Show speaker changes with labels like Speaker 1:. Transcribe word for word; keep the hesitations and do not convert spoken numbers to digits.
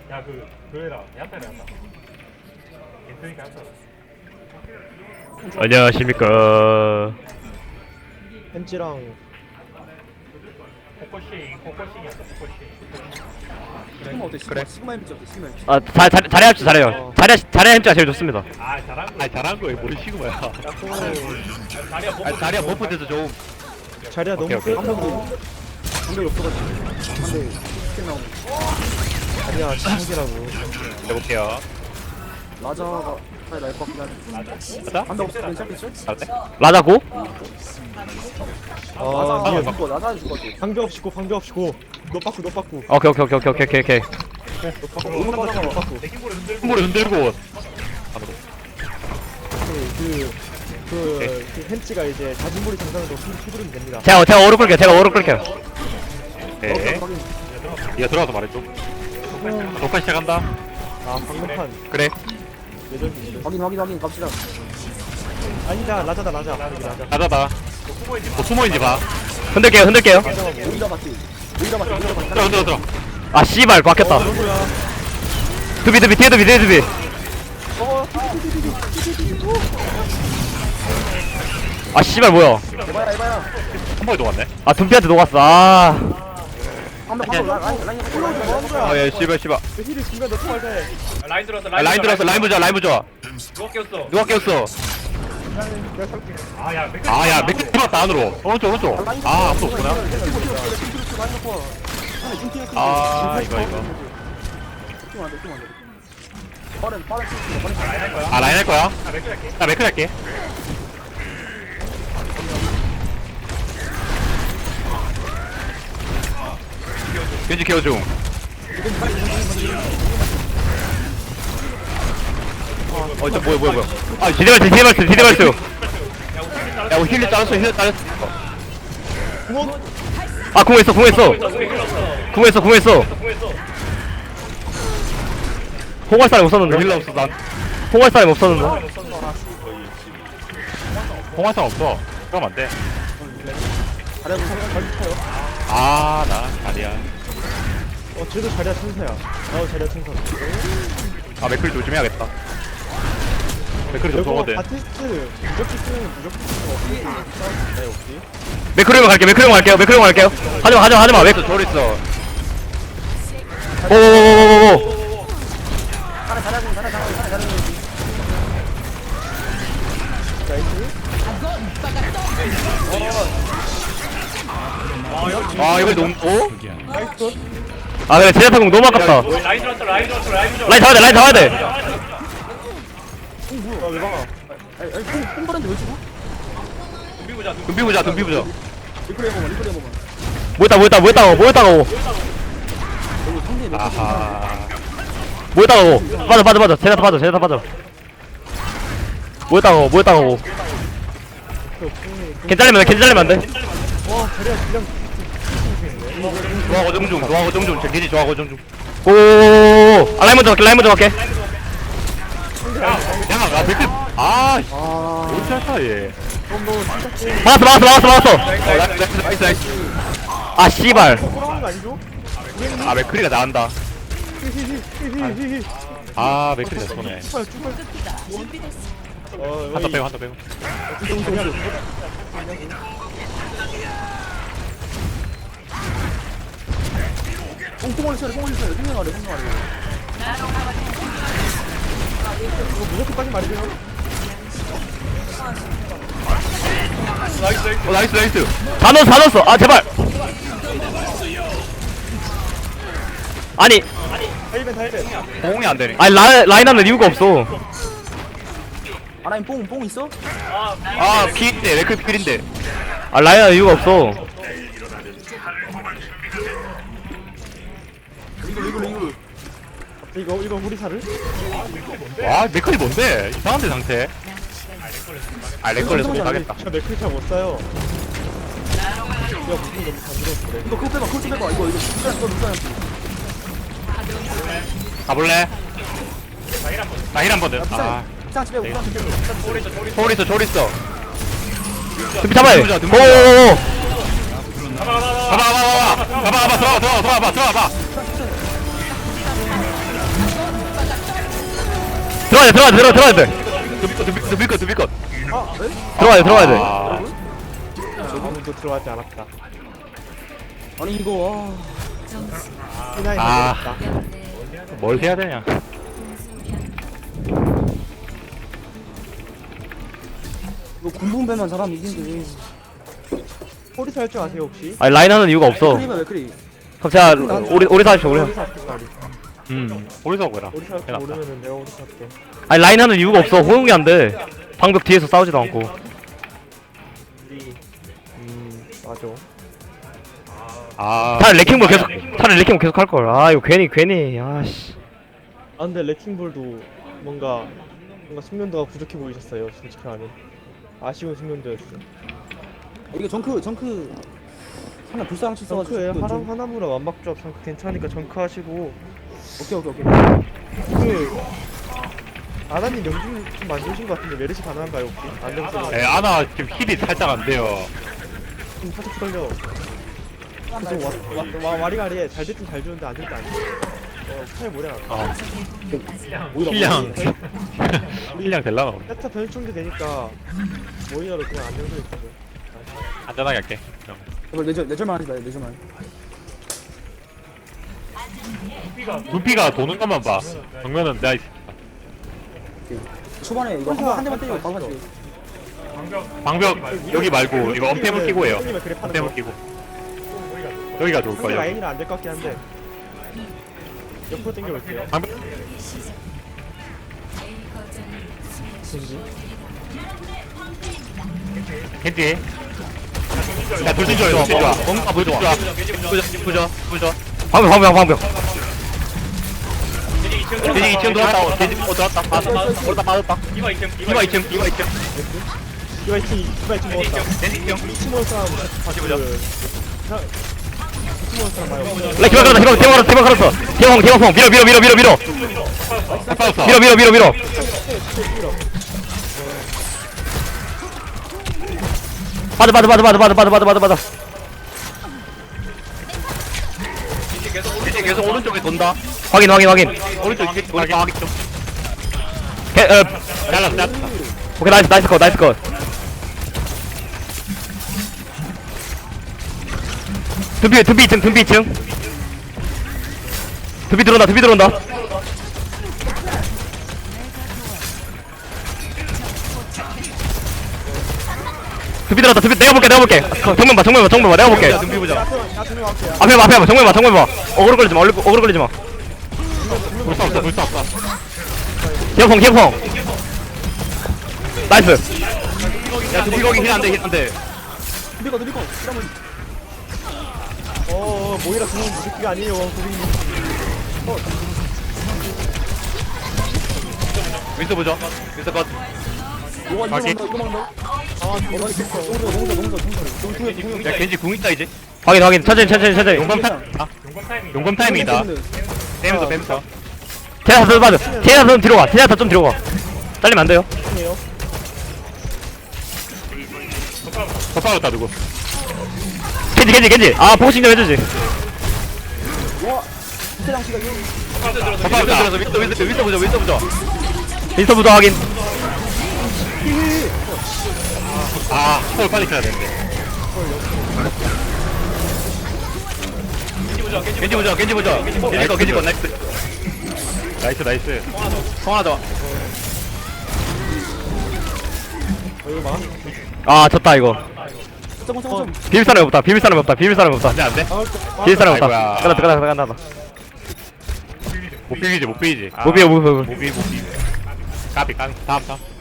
Speaker 1: 야, 그, 그 해라. 야타를 한다. 괜찮으니까 야타.
Speaker 2: 안녕하십니까.
Speaker 3: 햄찌랑
Speaker 1: 코코싱, 코코싱이었어, 코코싱.
Speaker 4: 시그마 어때? 시그마, 시그마 엠지 어때? 시그마 엠지.
Speaker 2: 아, 자, 자, 자리 합주 잘해요. 자리, 자리 햄찌가 제일 좋습니다.
Speaker 1: 아, 잘한 거.
Speaker 5: 아니 잘한 거에 뭘 시그마야.
Speaker 1: 자리야, 뭐.
Speaker 5: 아니 자리야 버프 돼서 좀.
Speaker 3: 자리야 너무
Speaker 5: 오케이, 오케이.
Speaker 3: 세.
Speaker 4: 방벽이 없어가지고. 한대 스킨 나오는.
Speaker 3: 자리야 진국이라고.
Speaker 5: 해볼게요.
Speaker 4: 라자가 빨리 날것 같긴 한데.
Speaker 5: 가자.
Speaker 4: 방벽 없어? 괜찮겠죠?
Speaker 5: 잘돼?
Speaker 2: 라자고?
Speaker 3: 아
Speaker 4: 라자
Speaker 3: 미안.
Speaker 4: 죽어. 라자 죽어.
Speaker 3: 방벽 없이 고 방벽 없이 고. 너 빠꾸 너 빠꾸.
Speaker 2: 오케이, 오케이, 오케이, 오케이, 오케이, 오케이.
Speaker 3: 너 빠꾸. 너 빠꾸 너 빠꾸.
Speaker 1: 대기골을 흔들고.
Speaker 5: 손으로 흔들고. 안으로.
Speaker 3: 그그 그, 그 햄찌가 이제 자진몰이 장전으로 휘두르면 됩니다.
Speaker 2: 제가, 제가 오른 끌게요. 제가 오른 끌게요.
Speaker 5: 네. 얘가 들어가서 말해줘. 녹화 시작한다.
Speaker 3: 아 방금판
Speaker 5: 그래.
Speaker 3: 예전이
Speaker 4: 확인 확인 확인 갑시다.
Speaker 3: 아니다 라자다 라자. 여기 라자.
Speaker 5: 가자다. 뭐 숨어있는지 봐.
Speaker 2: 흔들게요, 흔들게요.
Speaker 4: 오이다 마티. 오이다 마티. 오이다 마티.
Speaker 5: 들어 들어 들어.
Speaker 2: 아, 씨발, 막혔다.
Speaker 3: 누구야?
Speaker 2: 두비, 두비, 뒤에 두비, 뒤에 두비. 아, 씨발, 뭐야.
Speaker 4: 에바야 에바야.
Speaker 5: 한 번에 녹았네.
Speaker 2: 아, 둠피한테 녹았어. 아.
Speaker 4: 방벽 방벽 라인 라인 라인.
Speaker 3: 뭐 하는 거야?
Speaker 5: 아예 씨발 씨발.
Speaker 3: 그 힐을 중간 넣고 말자 해.
Speaker 1: 라인 들어왔어,
Speaker 5: 아, 라인 들어왔어. 라인 보자. 라인 보자.
Speaker 1: 누가 꼈어?
Speaker 5: 누가 깼어?
Speaker 3: 내가 살게.
Speaker 1: 아, 야, 맥
Speaker 5: 아야 맥주 들어왔다 안으로. 오른쪽 오른쪽. 아 아무도 없구나. 아 이거 이거.
Speaker 4: 팀 안돼 팀 안돼. 빠른 빠른 팀 빠른 팀.
Speaker 1: 라인 할 거야?
Speaker 5: 아 라인 할 거야?
Speaker 1: 아, 맥주 할게.
Speaker 5: 나 맥크 할게. 겐지 케어 중. 어, 저 뭐야 뭐야 뭐야. 아,
Speaker 2: 디데발스, 디데발스, 디데발스.
Speaker 5: 야, 우리 힐리 따랐어, 힐리 따랐어.
Speaker 2: 아, 궁했어, 궁했어. 궁했어, 궁했어.
Speaker 1: 공했어.
Speaker 2: 홍할 사람 없었는데.
Speaker 5: 힐러 없어, 난.
Speaker 2: 홍할 사람 없었는데.
Speaker 5: 홍화상 없어. 그러면 안 돼.
Speaker 3: 자리야 무슨 잘 쳐요.
Speaker 5: 아, 나 자리야.
Speaker 3: 어 쟤도 자리야 천사야. 나도 자리야 천사.
Speaker 5: 아, 맥클 조심해야겠다. 맥클이 좀
Speaker 3: 이거
Speaker 5: 좋거든.
Speaker 3: 바티스트 무조건 쓰면 무조건 쓰면 어떻게 네 혹시?
Speaker 2: 매크로용 갈게요, 매크로용 갈게요, 매크로용 갈게요. 하지마, 하지마, 하지마. 왜?
Speaker 5: 저리 있어.
Speaker 2: 오오오오오.
Speaker 4: 잘해 잘해 잘해 잘해 잘해 잘해.
Speaker 5: 아, 이걸 너무, 어?
Speaker 3: 나이스.
Speaker 2: 아, 그래, 제자타공 너무 아깝다.
Speaker 1: 라인 들어왔어, 라인 들어왔어, 라인 들어왔어.
Speaker 2: 라인 잡아야 돼, 라인 잡아야 돼.
Speaker 3: 뭐야 왜 막아?
Speaker 4: 아니 아니 뽕 뽕바른데 왜 죽어?
Speaker 1: 준비 보자, 준비.
Speaker 5: 둠비 보자, 둠비 보자.
Speaker 4: 리플레이 해보면 리플레이 해보면.
Speaker 2: 뭐였다, 뭐였다, 뭐였다고, 뭐였다고,
Speaker 4: 여기 상대 몇
Speaker 5: 아하.
Speaker 2: 뭐였다고. 빠져, 빠져, 빠져. 제자타 빠져, 제자타 빠져. 뭐였다고, 뭐였다고. 괜찮으면 돼, 괜찮으면 안 돼.
Speaker 3: 와 자리야 그냥
Speaker 5: 좋아하고 정중, 좋아하고 정중. 저 겐지 좋아하고 정중.
Speaker 2: 오오오오. 아, 라인 먼저 갈게, 라인 먼저 갈게.
Speaker 5: 야, 아, 맥클. 아, 씨. 어떻게 할까, 얘.
Speaker 2: 막았어, 막았어, 막았어, 막았어.
Speaker 5: 어, 나이스, 나이스, 나이스, 나이스.
Speaker 2: 아, 씨발.
Speaker 3: 돌아오는 거 아니죠?
Speaker 5: 아, 맥클이가 나간다.
Speaker 3: 히히히히히히.
Speaker 5: 아, 맥클이 내 손에.
Speaker 3: 출발 출발. 어
Speaker 5: 한더 빼고, 한더 빼고.
Speaker 4: 뽕뽕을 쳐야 돼 뽕을 쳐야 돼 뽕을 하래 뽕을 하래.
Speaker 3: 이거 무조건까지 말이죠.
Speaker 5: 어, 나이스, 나이스.
Speaker 2: 다 넣었어, 다 넣었어. 아, 제발. 아니,
Speaker 3: 다이벤 다이벤.
Speaker 5: 공이 안 되네.
Speaker 2: 아니, 라, 라인 하는 이유가 없어.
Speaker 4: 아라인 뽕뽕 있어?
Speaker 5: 아, 피인데, 맥클 필인데.
Speaker 2: 아, 라인 하는 이유가 없어.
Speaker 4: 이거 이거 이거.
Speaker 3: 이거 이거 우리 살을?
Speaker 5: 와, 맥클이 뭔데? 이상한데, 상태. 아, 렉 걸려서 못 하겠다.
Speaker 3: 저 맥크리차 못 사요. 야 무슨 너무 간지러워 그래.
Speaker 4: 이거 그거 빼봐 그거 좀 빼봐 이거 이거 누가 이거 누가
Speaker 5: 가볼래? 나 힐 한 번 더. 아,
Speaker 4: 이상 집에 우산 좀 빼고.
Speaker 5: 초월 있어, 초월 있어.
Speaker 2: 준비 잡아야 돼.
Speaker 5: dumbi 보자.
Speaker 2: 오오오오.
Speaker 5: 가봐, 가봐, 가봐. 가봐, 가봐, 들어와, 들어와, 들어와봐, 들어와봐.
Speaker 2: 돼 들어가야 돼 들어가야 돼
Speaker 5: 두비컷 두비컷 두비컷 두비컷
Speaker 3: 아, 네?
Speaker 2: 들어가야 돼 들어가야 돼
Speaker 5: 아,
Speaker 3: 아무도 들어가지 않았다.
Speaker 4: 아니 이거
Speaker 3: 피나이
Speaker 5: 아.
Speaker 3: 만들었다.
Speaker 5: 뭘 해야 되냐
Speaker 4: 이거 군분배만 잘하면 이긴데.
Speaker 3: 포리 살줄 아세요 혹시?
Speaker 2: 아니 라인 하는 이유가 없어
Speaker 4: 크리면 왜 크리?
Speaker 2: 그럼 제가 오리 오리 사십시오 오리
Speaker 3: 오리 살줄 말이.
Speaker 5: 음 오리서 보라
Speaker 3: 오리 살줄
Speaker 5: 해놨다.
Speaker 3: 모르면은 내가 오리 살게.
Speaker 2: 아니 라인 하는 이유가 없어 호응이 안돼 방벽 뒤에서 싸우지도 않고
Speaker 3: 우리 음 맞아.
Speaker 5: 아
Speaker 2: 차라리 레킹볼 계속 차라리 레킹볼 계속 할걸 아 이거 괜히 괜히 아씨
Speaker 3: 아 근데 레킹볼도 뭔가 뭔가 숙련도가 부족해 보이셨어요 솔직히 말하면. 아쉬운 숙련도였어.
Speaker 4: 이게 정크 정크 하나 불쌍한 치 써가지고.
Speaker 3: 정크에
Speaker 4: 좀-
Speaker 3: 하나 하나무라 완박조합 정크 괜찮으니까 정크 하시고
Speaker 4: 오케이 오케이 오케이.
Speaker 3: 그 아나님 명중 좀 만드신 것 같은데 메르시 가능한가요 혹시? 안정성
Speaker 5: 에 아나 지금 힐이 살짝 안 돼요
Speaker 3: 좀 살짝 풀려. 좀 와, 와, 와, 와리가리에 잘 됐든 잘 주는데 안 됐든 안 돼. 어, 차에 뭐냐.
Speaker 5: 어
Speaker 3: 오히려
Speaker 5: 힐량
Speaker 3: 뭐-
Speaker 5: 힐량 될라나
Speaker 3: 세타 변충도 되니까 모이라로 그냥 안정성 있어서.
Speaker 5: 안전하게 할게
Speaker 4: 제발 내절 내절만 하지 마요 내절만.
Speaker 5: 눈피가 도는 것만 봐 정면은 내가 있-
Speaker 4: 초반에 이거 한, 한 대만 때리고 바로 가지.
Speaker 5: 방벽 여기 말고 이거 엄폐물 끼고 해요
Speaker 3: 형님의 그래 파는
Speaker 5: 엄폐물
Speaker 3: 거.
Speaker 5: 끼고 여기가 좋을
Speaker 3: 상대
Speaker 5: 거예요
Speaker 3: 라인이라 안 될 것 같긴 한데. 옆으로 당겨볼게요.
Speaker 5: 방벽
Speaker 3: 겐지.
Speaker 5: 캔디 야 돌진 줘요 돌진 줘 뭔가 보여줘 보자 보자 보자
Speaker 2: 방벽 방벽 방벽
Speaker 5: 돼지 이 층 들어왔다 돼지 어 들어왔다 빠졌다 오르다 빠졌다 이마 이 층 이마 이 층 이마 이 층
Speaker 3: 이거 이층 이거 이층 먹었다.
Speaker 5: 돼지 이 층
Speaker 3: 이층 먹을 사람 같이 보자. 이층 먹을 사람 봐요.
Speaker 2: 레 기박 걸었다 기박 기박 걸었어 기박 걸었어 기박펑 기박펑 밀어 밀어 밀어 밀어 밀어
Speaker 5: 빠졌어
Speaker 2: 밀어 밀어 밀어 밀어 빠져 빠져 빠져 빠져 빠져 빠져 빠져 빠져 빠져
Speaker 5: 돼지 계속 오른쪽에 돈다
Speaker 2: 확인 확인 확인
Speaker 5: 오른쪽 이렇게 오른쪽 확인 좀
Speaker 2: 개, 어,
Speaker 5: 잘랐어 잘랐어
Speaker 2: 오케이 나이스 나이스 컷 나이스 컷 둠피 둠피 이층 둠피 이층 둠피 들어온다 둠피 들어온다 둠피 들어왔다 둠피 내가 볼게 내가 볼게 어, 정면 봐 정면 봐 정면 봐 내가 볼게
Speaker 5: 눈피 보자
Speaker 3: 나중에 갈게요.
Speaker 2: 앞에 봐 앞에 봐 정면 봐 정면 봐 어그로 걸리지 마 어그로 어그로 걸리지 마
Speaker 5: 불사 없어 불사 없어
Speaker 2: 기어펑 기어펑 나이스
Speaker 5: 야 눈피 거기 힐 안돼 힐 안돼
Speaker 4: 누리거 누리거. 이러면
Speaker 3: 어, 어, 모이라 그냥 무식기가 아니에요, 고객님.
Speaker 5: 윈스 보자 윈스 컷
Speaker 4: 이거 이거
Speaker 5: 가게.
Speaker 4: 먹는다 이거 먹는다.
Speaker 3: 아,
Speaker 4: 이거 있어. 농사 농사 농사 농사. 농사 농사.
Speaker 5: 야 겐지 궁 있다 이제
Speaker 2: 확인 확인 천천히 천천히 천천히
Speaker 5: 용검 타임 아 용검 타임이다 빼면서 빼면서
Speaker 2: 제나타 좀 빠져 제나타 좀 뒤로 가 제나타 좀 뒤로 가 잘리면 안 돼요
Speaker 3: 해요.
Speaker 5: 더 빠졌다 누구
Speaker 2: 겐지 겐지 겐지 아 포싱 좀 해주지
Speaker 4: 세랑 씨가 이거.
Speaker 5: 더 빠졌다 윈스 윈스 윈스 보자 윈스 보자
Speaker 2: 인스터 부도 확인
Speaker 5: 아 헐 빨리 켜야 되는데 겐지 보자 겐지 보자 겐지 거 겐지 거 나이스 나이스 나이스 통하자
Speaker 3: 어, 이거 막.
Speaker 2: 아 졌다 이거
Speaker 4: 잠깐 잠깐.
Speaker 2: 비빌 사람이 없다 비빌 사람이 없다 비빌 사람이 없다
Speaker 5: 안돼 안돼
Speaker 3: 아,
Speaker 2: 비빌 사람이 없다
Speaker 5: 아이고야.
Speaker 2: 끝났다 끝났다 끝났다
Speaker 5: 못 비비지 못 비비지
Speaker 2: 못 비벼 못 비벼
Speaker 5: 못 비비 못 비비 까비 까비 다음 다음